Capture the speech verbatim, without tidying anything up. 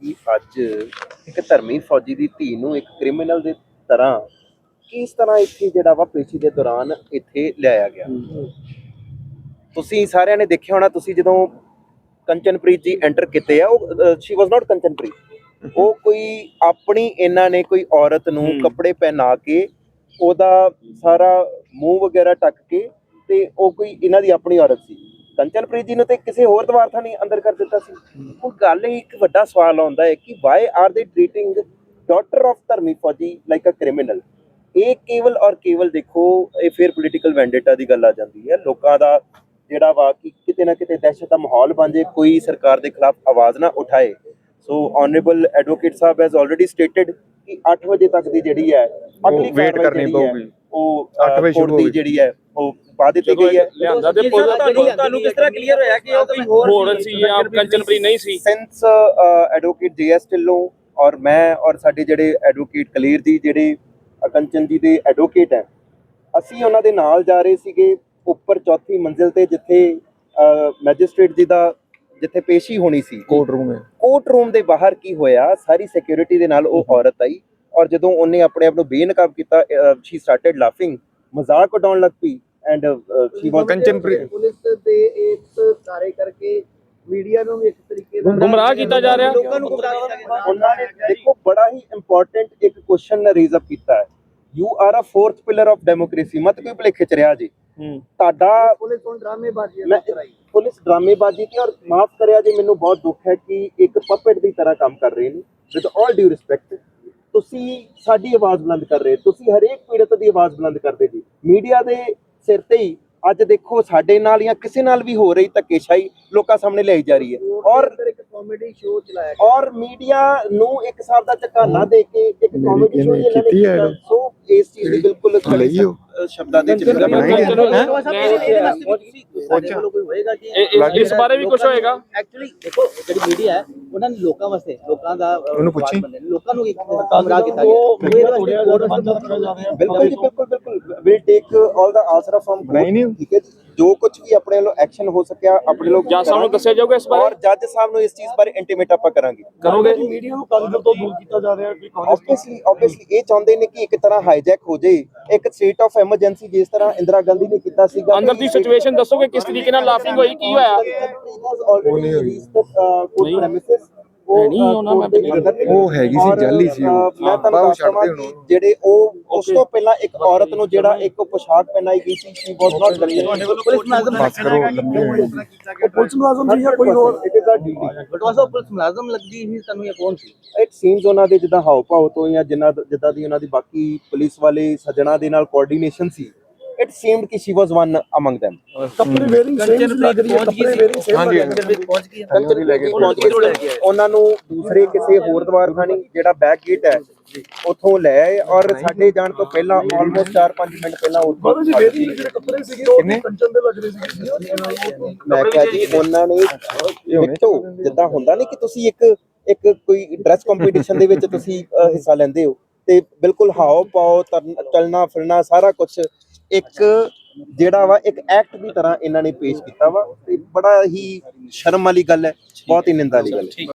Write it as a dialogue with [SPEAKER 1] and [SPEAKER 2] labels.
[SPEAKER 1] कि अज एक धर्मी फौजी की धी नूं एक क्रिमिनल की तरह किस तरह इत्थे जिहड़ा वा पेशी के दौरान इत्थे लियाया गया। तुसीं सारिਆਂ ने देखिया होना, तुसीं जदों कंचनप्रीत जी एंटर किते आ, ਉਹ शी वाज नॉट कंचनप्रीत, ਉਹ कोई अपनी इन्हां ने कोई औरत नूं कपड़े पहना के ਉਹਦਾ ਸਾਰਾ ਮੂੰਹ ਵਗੈਰਾ ਢੱਕ ਕੇ ਤੇ ਉਹ ਕੋਈ ਇਹਨਾਂ ਦੀ ਆਪਣੀ ਔਰਤ ਸੀ। ਕੰਚਨਪ੍ਰੀਤ ਜੀ ਨੂੰ ਤੇ ਕਿਸੇ ਹੋਰ ਦਵਾਰਥਾ ਨਹੀਂ ਅੰਦਰ ਕਰ ਦਿੱਤਾ ਸੀ। ਹੁਣ ਗੱਲ ਇਹ ਇੱਕ ਵੱਡਾ ਸਵਾਲ ਆਉਂਦਾ ਹੈ ਕਿ why are they treating daughter of ਧਰਮੀ ਫੌਜੀ ਲਾਈਕ ਅ ਕ੍ਰਿਮੀਨਲ। ਇਹ ਕੇਵਲ ਔਰ ਕੇਵਲ ਦੇਖੋ, ਇਹ ਫਿਰ ਪੋਲੀਟੀਕਲ ਵੈਂਡੇਟਾ ਦੀ ਗੱਲ ਆ ਜਾਂਦੀ ਹੈ। ਲੋਕਾਂ ਦਾ ਜਿਹੜਾ ਵਾ ਕਿ ਕਿਤੇ ਨਾ ਕਿਤੇ ਦਹਿਸ਼ਤ ਦਾ ਮਾਹੌਲ ਬਣ ਜੇ, ਕੋਈ ਸਰਕਾਰ ਦੇ ਖਿਲਾਫ ਆਵਾਜ਼ ਨਾ ਉਠਾਏ। ਸੋ ਆਨਰੇਬਲ ਐਡਵੋਕੇਟ ਸਾਹਿਬ ਹੈਜ਼ ਆਲਰੇਡੀ ਸਟੇਟਡ ਕਿ ਅੱਠ ਵਜੇ ਤੱਕ ਦੀ ਜਿਹੜੀ ਹੈ ਅਗਲੀ ਵੇਟ ਕਰਨੀ ਪਊਗੀ, ਉਹ ਅੱਠ ਵਜੇ ਸ਼ੁਰੂ ਦੀ ਜਿਹੜੀ ਹੈ ਉਹ ਪਾ ਦਿੱਤੀ ਗਈ ਹੈ।
[SPEAKER 2] ਲਿਆਂਦਾ ਤੇ ਤੁਹਾਨੂੰ ਕਿਸ ਤਰ੍ਹਾਂ ਕਲੀਅਰ ਹੋਇਆ ਕਿ ਉਹ ਕੋਈ ਹੋਰ ਸੀ ਜਾਂ ਕੰਚਨਪ੍ਰੀਤ ਨਹੀਂ ਸੀ?
[SPEAKER 1] Since advocate J S Dhillon ਔਰ ਮੈਂ ਔਰ ਸਾਡੇ ਜਿਹੜੇ ਐਡਵੋਕੇਟ ਕਲੀਰ ਜੀ ਜਿਹੜੇ ਕੰਚਨ ਜੀ ਦੇ ਐਡਵੋਕੇਟ ਹੈ, ਅਸੀਂ ਉਹਨਾਂ ਦੇ ਨਾਲ ਜਾ ਰਹੇ ਸੀਗੇ ਉੱਪਰ ਚੌਥੀ ਮੰਜ਼ਿਲ ਤੇ, ਜਿੱਥੇ ਮੈਜਿਸਟ੍ਰੇਟ ਜੀ ਦਾ ਜਿੱਥੇ ਪੇਸ਼ੀ ਹੋਣੀ ਸੀ, ਕੋਰਟ ਰੂਮ ਹੈ। ਕੋਰਟ ਰੂਮ ਦੇ ਬਾਹਰ ਕੀ ਹੋਇਆ, ਸਾਰੀ ਸਿਕਿਉਰਿਟੀ ਦੇ ਨਾਲ ਉਹ ਔਰਤ ਆਈ ਔਰ ਜਦੋਂ ਉਹਨੇ ਆਪਣੇ ਆਪ ਨੂੰ ਬੇਨਕਾਬ ਕੀਤਾ, ਸ਼ੀ ਸਟਾਰਟਡ ਲਾਫਿੰਗ, ਮਜ਼ਾਕ ਉਡਾਉਣ ਲੱਗ ਪਈ and she was Kanchanpreet.
[SPEAKER 3] Police ਦੇ ਇਸ ਸਾਰੇ ਕਰਕੇ ਮੀਡੀਆ ਨੂੰ ਵੀ ਇੱਕ ਤਰੀਕੇ ਨਾਲ
[SPEAKER 2] ਗੁੰਮਰਾਹ ਕੀਤਾ ਜਾ ਰਿਹਾ,
[SPEAKER 3] ਲੋਕਾਂ ਨੂੰ ਗੁੰਮਰਾਹ ਕੀਤਾ ਜਾ ਰਿਹਾ।
[SPEAKER 1] ਉਹਨਾਂ ਨੇ ਦੇਖੋ ਬੜਾ ਹੀ ਇੰਪੋਰਟੈਂਟ ਇੱਕ ਕੁਐਸਚਨ ਰੇਜ਼ ਅਪ ਕੀਤਾ ਹੈ, you are a fourth pillar of democracy. ਮਤ ਕੋਈ ਭੁਲੇਖੇ ਚ ਰਿਹਾ ਜੀ ਤੁਹਾਡਾ।
[SPEAKER 3] ਪੁਲਿਸ ਹੁਣ ਡਰਾਮੇਬਾਜ਼ੀ
[SPEAKER 1] ਮੈਂ ਪੁਲਿਸ ਡਰਾਮੇਬਾਜ਼ੀ ਤੇ, ਔਰ ਮਾਫ ਕਰਿਆ ਜੀ ਮੈਨੂੰ ਬਹੁਤ ਦੁੱਖ ਹੈ ਕਿ ਇੱਕ ਪਪੇਟ ਦੀ ਤਰ੍ਹਾਂ ਕੰਮ ਕਰ ਰਹੇ ਨੇ। ਵਿਦ ਆਲ ਡਿਊ ਰਿਸਪੈਕਟ, ਤੁਸੀਂ ਸਾਡੀ ਆਵਾਜ਼ ਬੁਲੰਦ ਕਰ ਰਹੇ, ਤੁਸੀਂ ਹਰੇਕ ਪੀੜਤ ਦੀ ਆਵਾਜ਼ ਬੁਲੰਦ ਕਰਦੇ ਜੀ। ਮੀਡੀਆ ਦੇ ਸਿਰ ਤੇ ਹੀ ਅੱਜ ਦੇਖੋ ਸਾਡੇ ਨਾਲ ਜਾਂ ਕਿਸੇ ਨਾਲ ਵੀ ਹੋ ਰਹੀ ਧੱਕੇਸ਼ਾਹੀ ਲੋਕਾਂ ਸਾਹਮਣੇ ਲਿਆਈ ਜਾ ਰਹੀ ਹੈ, ਔਰ
[SPEAKER 3] ਇੱਕ ਕਾਮੇਡੀ ਸ਼ੋਅ ਚਲਾਇਆ
[SPEAKER 1] ਔਰ ਮੀਡੀਆ ਨੂੰ ਇੱਕ ਹਿਸਾਬ ਦਾ ਝਕਾਨਾ ਦੇ ਕੇ ਇੱਕ ਕਾਮੇਡੀ ਸ਼ੋਅ ਇਹਨਾਂ ਨੇ ਕੀਤਾ। ਸੋ ਇਸ ਚੀਜ਼ ਦੀ ਬਿਲਕੁਲ ਸ਼ਬਦਾਂ ਦੇ ਵਿੱਚ
[SPEAKER 2] ਇਸ ਬਾਰੇ ਵੀ ਕੁਝ ਹੋਏਗਾ।
[SPEAKER 3] ਐਕਚੁਅਲੀ ਦੇਖੋ ਜਿਹੜੀ ਮੀਡੀਆ ਹੈ ਉਹਨਾਂ ਨੇ ਲੋਕਾਂ ਵਾਸਤੇ, ਲੋਕਾਂ ਦਾ ਲੋਕਾਂ ਨੂੰ ਇੱਕ ਗੁੰਮਰਾਹ ਕੀਤਾ ਗਿਆ।
[SPEAKER 1] ਬਿਲਕੁਲ ਜੀ, ਬਿਲਕੁਲ ਬਿਲਕੁਲ will take all the answer firm, ਠੀਕ ਹੈ ਜੀ। ਜੋ ਕੁਝ ਵੀ ਆਪਣੇ ਵੱਲੋਂ ਐਕਸ਼ਨ ਹੋ ਸਕਿਆ ਆਪਣੇ ਲੋਕ
[SPEAKER 2] ਜੱਜ ਸਾਹਿਬ ਨੂੰ ਦੱਸਿਆ ਜਾਊਗਾ ਇਸ ਬਾਰੇ,
[SPEAKER 1] ਔਰ ਜੱਜ ਸਾਹਿਬ ਨੂੰ ਇਸ ਚੀਜ਼ ਬਾਰੇ ਇੰਟੀਮੇਟ ਆਪਾਂ ਕਰਾਂਗੇ।
[SPEAKER 2] ਕਰੋਗੇ?
[SPEAKER 3] ਮੀਡੀਆ ਨੂੰ ਕਾਂਗਰਸ ਤੋਂ ਦੂਰ ਕੀਤਾ ਜਾ ਰਿਹਾ ਹੈ।
[SPEAKER 1] ਆਬਵੀਅਸਲੀ ਆਬਵੀਅਸਲੀ ਇਹ ਚਾਹੁੰਦੇ ਨੇ ਕਿ ਇੱਕ ਤਰ੍ਹਾਂ ਹਾਈਜੈਕ ਹੋ ਜਾਏ ਇੱਕ ਸਟੇਟ ਆਫ ਐਮਰਜੈਂਸੀ, ਜਿਸ ਤਰ੍ਹਾਂ ਇੰਦਰਾ ਗਾਂਧੀ ਨੇ ਕੀਤਾ ਸੀਗਾ।
[SPEAKER 2] ਅੰਦਰ ਦੀ ਸਿਚੁਏਸ਼ਨ ਦੱਸੋਗੇ ਕਿਸ ਤਰੀਕੇ ਨਾਲ ਲਾਫਿੰਗ ਹੋਈ, ਕੀ ਹੋਇਆ?
[SPEAKER 1] ਨਹੀਂ ਉਹਨਾਂ ਮੈਂ ਉਹ ਹੈਗੀ ਸੀ, ਜਾਲੀ ਸੀ ਉਹ। ਮੈਂ ਤੁਹਾਨੂੰ ਦੱਸਦਾ ਕਿ ਜਿਹੜੇ ਉਹ ਉਸ ਤੋਂ ਪਹਿਲਾਂ ਇੱਕ ਔਰਤ ਨੂੰ ਜਿਹੜਾ ਇੱਕ ਪੋਸ਼ਾਕ ਪਹਿਨਾਈ ਗਈ ਸੀ, ਸ਼ੀ ਵਾਸ ਨਾਟ
[SPEAKER 3] ਤੁਹਾਡੇ ਵੱਲੋਂ ਪੁਲਿਸ ਮੁਲਾਜ਼ਮ
[SPEAKER 1] ਬਸ ਕਰੋ
[SPEAKER 3] ਪੁਲਿਸ ਮੁਲਾਜ਼ਮ ਸੀ ਜਾਂ ਕੋਈ ਹੋਰ? It is a duty. But was a police ਮੁਲਾਜ਼ਮ ਲੱਗਦੀ ਸੀ ਤੁਹਾਨੂੰ ਜਾਂ ਕੌਣ ਸੀ?
[SPEAKER 1] ਇਟ ਸੀਮਸ ਉਹਨਾਂ ਦੇ ਜਿੱਦਾਂ ਹਾਵ ਭਾਵ ਤੋਂ ਜਾਂ ਜਿੰਨਾ ਜਿੱਦਾਂ ਦੀ ਉਹਨਾਂ ਦੀ ਬਾਕੀ ਪੁਲਿਸ ਵਾਲੇ ਸੱਜਣਾ ਦੇ ਨਾਲ ਕੋਆਰਡੀਨੇਸ਼ਨ ਸੀ, it seemed ਕਿ she was one among them।
[SPEAKER 3] ਕੱਪੜੇ ਵੇਅਰਿੰਗ ਸੇਮ ਲੱਗ ਰਹੀ ਹੈ, ਕੱਪੜੇ ਵੇਅਰਿੰਗ ਸੇਮ ਲੱਗ ਰਹੀ ਹੈ। ਪਹੁੰਚ ਗਈ
[SPEAKER 1] ਪਹੁੰਚ ਗਏ ਉਹਨਾਂ ਨੂੰ ਦੂਸਰੇ ਕਿਸੇ ਹੋਰ ਦਵਾਰਖਾਨੇ ਜਿਹੜਾ ਬੈਕ ਗੇਟ ਹੈ ਉੱਥੋਂ ਲੈ ਆਏ ਔਰ ਸਾਡੇ ਜਾਣ ਤੋਂ ਪਹਿਲਾਂ ਆਲਮੋਸਟ ਚਾਰ ਪੰਜ ਮਿੰਟ ਪਹਿਲਾਂ ਉੱਥੋਂ
[SPEAKER 3] ਜਿਹੜੇ ਕੱਪੜੇ ਸੀਗੇ ਉਹ ਕੰਚਨ ਦੇ ਲੱਗ ਰਹੇ ਸੀ।
[SPEAKER 1] ਮੈਂ ਕਿਹਾ ਜੀ ਉਹਨਾਂ ਨੇ ਦੇਖੋ ਜਿੱਦਾਂ ਹੁੰਦਾ ਨਹੀਂ ਕਿ ਤੁਸੀਂ ਇੱਕ ਇੱਕ ਕੋਈ ਡਰੈਸ ਕੰਪੀਟੀਸ਼ਨ ਦੇ ਵਿੱਚ ਤੁਸੀਂ ਹਿੱਸਾ ਲੈਂਦੇ ਹੋ ਤੇ ਬਿਲਕੁਲ ਹਾਓ ਪਾਓ ਚੱਲਣਾ ਫਿਰਨਾ ਸਾਰਾ ਕੁਝ ਇੱਕ ਜਿਹੜਾ ਵਾ ਇੱਕ ਐਕਟ ਦੀ ਤਰ੍ਹਾਂ ਇਹਨਾਂ ਨੇ ਪੇਸ਼ ਕੀਤਾ ਵਾ, ਤੇ ਬੜਾ ਹੀ ਸ਼ਰਮ ਵਾਲੀ ਗੱਲ ਹੈ, ਬਹੁਤ ਹੀ ਨਿੰਦਾ ਵਾਲੀ ਗੱਲ ਹੈ।